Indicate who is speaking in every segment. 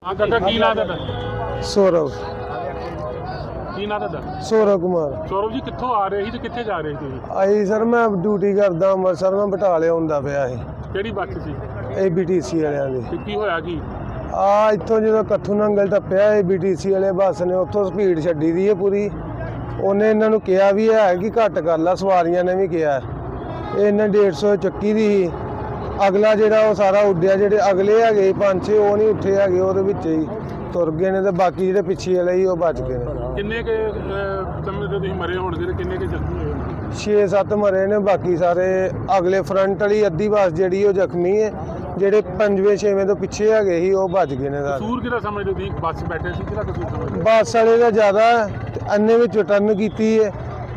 Speaker 1: हाँ काका की नाम है?
Speaker 2: सौरभ
Speaker 1: की नाम है?
Speaker 2: सौरभ कुमार।
Speaker 1: सौरभ जी कित्थों आ रहे ਸੀ ਤੇ ਕਿੱਥੇ ਜਾ ਰਹੇ ਸੀ?
Speaker 2: ਆਈ ਸਰ ਮੈਂ ਡਿਊਟੀ ਕਰਦਾ ਅੰਮ੍ਰਿਤਸਰ ਮੈਂ ਬਟਾਲੇ ਹੁੰਦਾ ਪਿਆ ਸੀ
Speaker 1: ਕਿਹੜੀ ਬੱਸ ਸੀ
Speaker 2: ABTC ਵਾਲਿਆਂ ਦੀ।
Speaker 1: ਤੇ ਕੀ ਹੋਇਆ ਕੀ?
Speaker 2: ਇੱਥੋਂ ਜਦੋਂ ਕੱਥੂ ਨੰਗਲ ਟੱਪਿਆ ABTC ਵਾਲੇ ਬੱਸ ਨੇ ਉੱਥੋਂ ਸਪੀਡ ਛੱਡੀ ਦੀ ਹੈ ਪੂਰੀ। ਉਹਨੇ ਇਹਨਾਂ ਨੂੰ ਕਿਹਾ ਵੀ ਹੈ ਕਿ ਘੱਟ ਕਰ ਲਾ, ਸਵਾਰੀਆਂ ਨੇ ਵੀ ਕਿਹਾ ਇਹਨੇ 150 ਚੱਕੀ ਦੀ ਸੀ। ਅਗਲਾ ਜਿਹੜਾ ਉਹ ਸਾਰਾ ਉੱਡਿਆ, ਜਿਹੜੇ ਅਗਲੇ ਹੈਗੇ 5-6 ਉਹ ਨਹੀਂ ਉੱਠੇ ਹੈਗੇ, ਉਹਦੇ ਵਿੱਚ ਹੀ ਤੁਰ ਗਏ ਨੇ ਤੇ ਬਾਕੀ ਜਿਹੜੇ ਪਿੱਛੇ ਵਾਲੇ ਸੀ ਉਹ ਬਚ ਗਏ ਨੇ।
Speaker 1: ਕਿੰਨੇ ਕੇ ਸਮੇਂ ਦੇ ਤੁਸੀਂ ਮਰੇ ਹੋਣਗੇ ਤੇ ਕਿੰਨੇ ਕੇ ਜ਼ਖਮੀ ਹੋਏ ਹੋਣਗੇ?
Speaker 2: 6-7 ਮਰੇ ਨੇ, ਬਾਕੀ ਸਾਰੇ ਅਗਲੇ ਫਰੰਟ ਵਾਲੀ ਅੱਧੀ ਬੱਸ ਜਿਹੜੀ ਉਹ ਜ਼ਖਮੀ ਹੈ, ਜਿਹੜੇ 5ਵੇਂ-6ਵੇਂ ਤੋਂ ਪਿੱਛੇ ਹੈਗੇ ਸੀ ਉਹ ਭੱਜ ਗਏ ਨੇ ਸਾਰੇ।
Speaker 1: ਕਸੂਰ ਕਿਹਦਾ ਸਮਝਦੇ ਤੁਸੀਂ? ਬੱਸ ਬੈਠੇ ਸੀ ਕਿਹਦਾ ਕਸੂਰ ਸਮਝਦੇ?
Speaker 2: ਬੱਸ ਵਾਲੇ ਦਾ ਜ਼ਿਆਦਾ ਤੇ ਅੰਨੇ ਵਿੱਚ ਟਰਨ ਕੀਤੀ ਹੈ।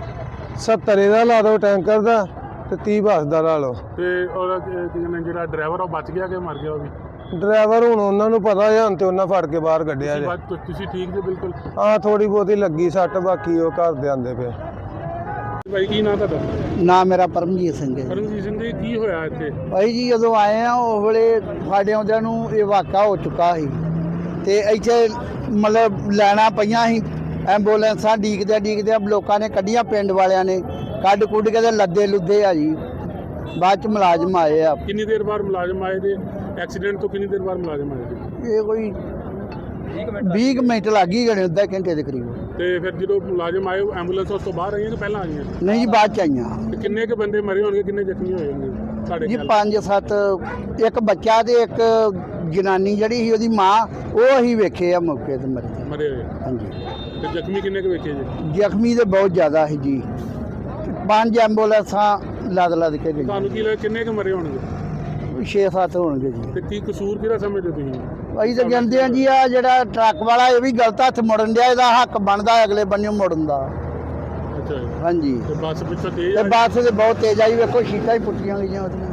Speaker 2: 70 ਦਾ ਲਾ ਦਿਓ ਟੈਂਕਰ ਦਾ ਤੇ 30 ਬੱਸ ਦਾ ਲਾ ਲਓ।
Speaker 1: ਤੇ ਔਰ ਜਿਹੜਾ ਡਰਾਈਵਰ ਉਹ ਬਚ ਗਿਆ ਕਿ ਮਰ ਗਿਆ? ਉਹ ਵੀ
Speaker 2: ਡਰਾਈਵਰ ਹੁਣ ਉਹਨਾਂ ਨੂੰ ਪਤਾ ਹੈ, ਹੁਣ ਤੇ ਉਹਨਾਂ ਫੜ ਕੇ ਬਾਹਰ ਕੱਢਿਆ ਜੇ।
Speaker 1: ਤੁਸੀਂ ਠੀਕ ਜੀ? ਬਿਲਕੁਲ।
Speaker 2: ਹਾਂ ਥੋੜੀ ਬਹੁਤੀ ਲੱਗੀ ਸੱਟ, ਬਾਕੀ ਉਹ ਘਰ ਦੇ ਆਂਦੇ ਪਏ।
Speaker 1: ਭਾਈ ਕੀ ਨਾਮ ਤੁਹਾਡਾ?
Speaker 3: ਨਾਮ ਮੇਰਾ ਪਰਮਜੀਤ ਸਿੰਘ ਹੈ।
Speaker 1: ਪਰਮਜੀਤ ਸਿੰਘ ਜੀ ਕੀ ਹੋਇਆ ਇੱਥੇ?
Speaker 3: ਭਾਈ ਜੀ ਜਦੋਂ ਆਏ ਆ ਉਸ ਵੇਲੇ ਸਾਡੇ ਆਉਂਦਿਆਂ ਨੂੰ ਇਹ ਵਾਕਾ ਹੋ ਚੁੱਕਾ ਸੀ ਤੇ ਇੱਥੇ ਮਤਲਬ ਲੈਣਾ ਪਈਆਂ ਸੀ, ਐਂਬੂਲੈਂਸਾਂ ਡੀਕਦਿਆਂ ਲੋਕਾਂ ਨੇ ਕੱਢੀਆਂ, ਪਿੰਡ ਵਾਲਿਆਂ ਨੇ ਕੱਢ ਕੁੱਢ ਕੇ ਤੇ ਲੱਦੇ ਲੁੱਦੇ ਆ ਜੀ। ਬਾਅਦ ਚ ਮੁਲਾਜ਼ਮ ਆਏ ਆ।
Speaker 1: ਕਿੰਨੀ ਦੇਰ ਬਾਅਦ ਮੁਲਾਜ਼ਮ ਆਏ ਤੇ ਐਕਸੀਡੈਂਟ ਤੋਂ ਕਿੰਨੀ ਦੇਰ ਬਾਅਦ ਮੁਲਾਜ਼ਮ ਆਏ ਜੀ?
Speaker 3: ਇਹ ਕੋਈ 20 ਮਿੰਟ ਲੱਗ ਹੀ ਗਏ, ਅੱਧਾ ਘੰਟੇ ਦੇ ਕਰੀਬ।
Speaker 1: ਤੇ ਫਿਰ ਜਦੋਂ ਮੁਲਾਜ਼ਮ ਆਏ ਐਂਬੂਲੈਂਸ ਉਸ ਤੋਂ ਬਾਹਰ ਆਈਆਂ ਕਿ ਪਹਿਲਾਂ ਆਈਆਂ?
Speaker 3: ਨਹੀਂ ਜੀ ਬਾਅਦ ਚ ਆਈਆਂ।
Speaker 1: ਤੇ ਕਿੰਨੇ ਕੁ ਬੰਦੇ ਮਰੇ ਹੋਣਗੇ, ਕਿੰਨੇ ਜ਼ਖਮੀ ਹੋਏ ਹੋਣਗੇ ਸਾਡੇ
Speaker 3: ਜੀ
Speaker 1: ਖਿਆਲ?
Speaker 3: 5-7, ਇੱਕ ਬੱਚਾ ਤੇ ਇੱਕ ਜਨਾਨੀ ਜਿਹੜੀ ਸੀ ਉਹਦੀ ਮਾਂ, ਉਹ ਅਸੀਂ ਵੇਖੇ ਆ ਮੌਕੇ ਤੇ
Speaker 1: ਮਰੇ ਹੋਏ।
Speaker 3: ਹਾਂਜੀ।
Speaker 1: ਤੇ ਜ਼ਖਮੀ ਕਿੰਨੇ ਕੁ ਵੇਖੇ ਜੀ?
Speaker 3: ਜ਼ਖਮੀ ਤੇ ਬਹੁਤ ਜ਼ਿਆਦਾ ਸੀ ਜੀ। 5 ਐਂਬੂਲੈਂਸਾਂ ਲੱਦ ਕੇ ਗਈਆਂ।
Speaker 1: ਤੁਹਾਨੂੰ ਕੀ ਲੱਗਦਾ ਕਿੰਨੇ ਕੁ ਮਰੇ ਹੋਣਗੇ?
Speaker 3: 6-7 ਹੋਣਗੇ ਜੀ।
Speaker 1: ਤੇ ਕੀ ਕਸੂਰ ਕਿਹਦਾ ਸਮਝਦੇ ਤੁਸੀਂ?
Speaker 3: ਅਸੀਂ ਤਾਂ ਕਹਿੰਦੇ ਆ ਜੀ, ਆ ਜਿਹੜਾ ਟਰੱਕ ਵਾਲਾ ਇਹ ਵੀ ਗਲਤ ਹੱਥ ਮੁੜਨ ਡਿਆ, ਇਹਦਾ ਹੱਕ ਬਣਦਾ ਅਗਲੇ ਬੰਨਿਓ ਮੁੜਨ ਦਾ।
Speaker 1: ਅੱਛਾ ਜੀ।
Speaker 3: ਹਾਂਜੀ।
Speaker 1: ਤੇ ਬੱਸ ਪਿੱਛੋਂ ਤੇਜ਼
Speaker 3: ਤੇ ਬੱਸ ਤੇ ਬਹੁਤ ਤੇਜ਼ ਆਈ, ਵੇਖੋ ਸ਼ੀਟਾਂ ਹੀ ਪੁੱਟੀਆਂ ਗਈਆਂ ਉਹਦੀਆਂ।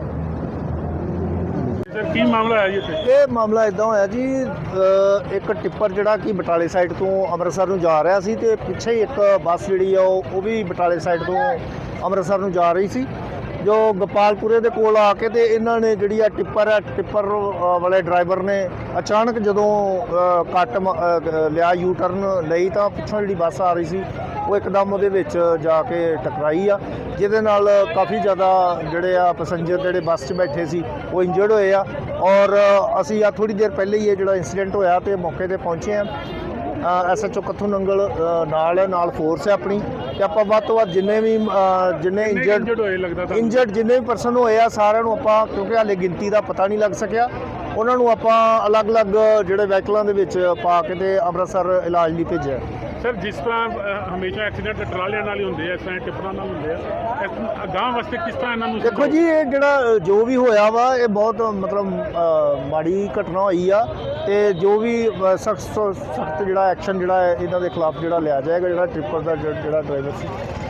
Speaker 1: ਸਰ ਕੀ ਮਾਮਲਾ ਹੈ ਜੀ ਇੱਥੇ?
Speaker 4: ਇਹ ਮਾਮਲਾ ਇਦਾਂ ਹੋਇਆ ਜੀ, ਇੱਕ ਟਿੱਪਰ ਜਿਹੜਾ ਕਿ ਬਟਾਲੇ ਸਾਈਡ ਤੋਂ ਅੰਮ੍ਰਿਤਸਰ ਨੂੰ ਜਾ ਰਿਹਾ ਸੀ ਤੇ ਪਿੱਛੇ ਹੀ ਇੱਕ ਬੱਸ ਜਿਹੜੀ ਆ ਉਹ ਵੀ ਬਟਾਲੇ ਸਾਈਡ ਤੋਂ ਅੰਮ੍ਰਿਤਸਰ ਨੂੰ ਜਾ ਰਹੀ ਸੀ। ਜੋ ਗੋਪਾਲਪੁਰੇ ਦੇ ਕੋਲ ਆ ਕੇ ਤੇ ਇਹਨਾਂ ਨੇ ਜਿਹੜੀ ਆ ਟਿੱਪਰ ਵਾਲੇ ਡਰਾਈਵਰ ਨੇ ਅਚਾਨਕ ਜਦੋਂ ਕੱਟ ਲਿਆ, ਯੂ ਟਰਨ ਲਈ, ਤਾਂ ਪਿੱਛੋਂ ਜਿਹੜੀ ਬੱਸ ਆ ਰਹੀ ਸੀ ਉਹ ਇੱਕਦਮ ਉਹਦੇ ਵਿੱਚ ਜਾ ਕੇ ਟਕਰਾਈ ਆ, ਜਿਹਦੇ ਨਾਲ ਕਾਫੀ ਜ਼ਿਆਦਾ ਜਿਹੜੇ ਆ ਪੈਸੰਜਰ ਜਿਹੜੇ ਬੱਸ 'ਚ ਬੈਠੇ ਸੀ ਉਹ ਇੰਜਰਡ ਹੋਏ ਆ। ਔਰ ਅਸੀਂ ਆ ਥੋੜੀ ਦੇਰ ਪਹਿਲੇ ਹੀ ਇਹ ਜਿਹੜਾ ਇੰਸੀਡੈਂਟ ਹੋਇਆ ਤੇ ਮੌਕੇ ਤੇ ਪਹੁੰਚੇ ਆ। SHO ਕੱਥੂ ਨੰਗਲ ਨਾਲ ਫੋਰਸ ਹੈ ਆਪਣੀ, ਤੇ ਆਪਾਂ ਵੱਧ ਤੋਂ ਵੱਧ ਜਿੰਨੇ ਇੰਜਰਡ ਜਿੰਨੇ ਵੀ ਪਰਸਨ ਹੋਏ ਆ ਸਾਰਿਆਂ ਨੂੰ ਆਪਾਂ, ਕਿਉਂਕਿ ਹਾਲੇ ਗਿਣਤੀ ਦਾ ਪਤਾ ਨਹੀਂ ਲੱਗ ਸਕਿਆ, ਉਹਨਾਂ ਨੂੰ ਆਪਾਂ ਅਲੱਗ-ਅਲੱਗ ਜਿਹੜੇ ਵਹੀਕਲਾਂ ਦੇ ਵਿੱਚ ਪਾ ਕੇ ਤੇ ਅੰਮ੍ਰਿਤਸਰ ਇਲਾਜ ਲਈ ਭੇਜਿਆ।
Speaker 1: ਸਰ ਜਿਸ ਤਰ੍ਹਾਂ ਹਮੇਸ਼ਾ ਐਕਸੀਡੈਂਟ ਟਰਾਲਿਆਂ ਨਾਲ ਹੀ ਹੁੰਦੇ ਆ, ਇਸ ਤਰ੍ਹਾਂ ਟਿੱਪਰਾਂ ਨਾਲ ਹੁੰਦੇ ਆ, ਅਗਾਂਹ ਵਾਸਤੇ ਕਿਸ ਤਰ੍ਹਾਂ ਇਹਨਾਂ ਨੂੰ?
Speaker 4: ਦੇਖੋ ਜੀ, ਇਹ ਜਿਹੜਾ ਜੋ ਵੀ ਹੋਇਆ ਵਾ ਇਹ ਬਹੁਤ ਮਤਲਬ ਮਾੜੀ ਘਟਨਾ ਹੋਈ ਆ, ਤੇ ਜੋ ਵੀ ਸਖਤ ਜਿਹੜਾ ਐਕਸ਼ਨ ਜਿਹੜਾ ਇਹਨਾਂ ਦੇ ਖਿਲਾਫ ਜਿਹੜਾ ਲਿਆ ਜਾਏਗਾ, ਜਿਹੜਾ ਟ੍ਰਿਪਰ ਦਾ ਜਿਹੜਾ ਡਰਾਈਵਰ ਸੀ